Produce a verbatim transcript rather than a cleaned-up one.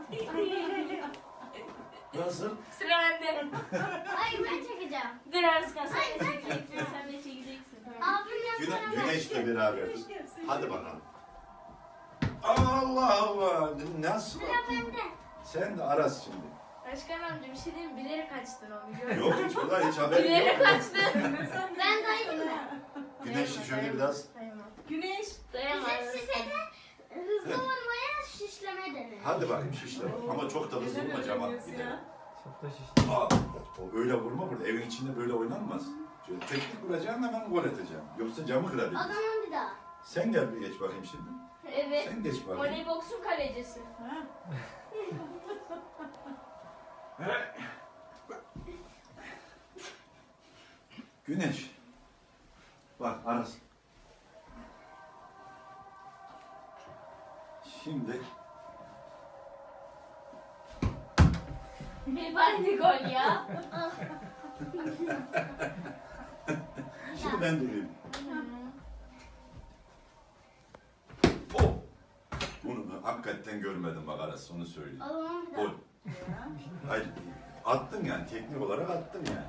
Nasıl? Sıra bende. Hayır ben çekeceğim. Dur Arslan sen de çekeceksin. Sen de çekeceksin. Tamam. Abim Güne, yapsana. güneşle beraber. Hadi bakalım. Allah Allah. Nasıl? Sıra bende. Sen de Aras şimdi. Başkan amca bir şey diyeyim mi? Bilerek kaçtın onu gördüm. Yok hiç burada hiç haberim Bilerek yok. kaçtın. Ben daydım mı? Güneşi şöyle biraz. Dayanamam. Güneş. Dayanamam. Bizim size de hızlı vurmaya şişleme denir. Hadi bakayım şişle bak. Ama çok da hızlı vurma cama gidelim. Çok da şişti. Aa, o öyle vurma burada. Evin içinde böyle oynanmaz. Şöyle teknik vuracaksın hemen gol edeceksin. Yoksa camı O kırabilirsin. zaman bir daha. Sen gel bir geç bakayım şimdi. Evet. Sen geç bakayım. Voleyboksun kalecisi. Ha. Güneş. Bak Aras. Şimdi Bir bari gol ya. şimdi ben durayım. Oh. Bunu hakikaten görmedim bak Aras onu söyleyeyim. O zaman bir Gol. daha. Hayır. Attın yani teknik olarak attın yani.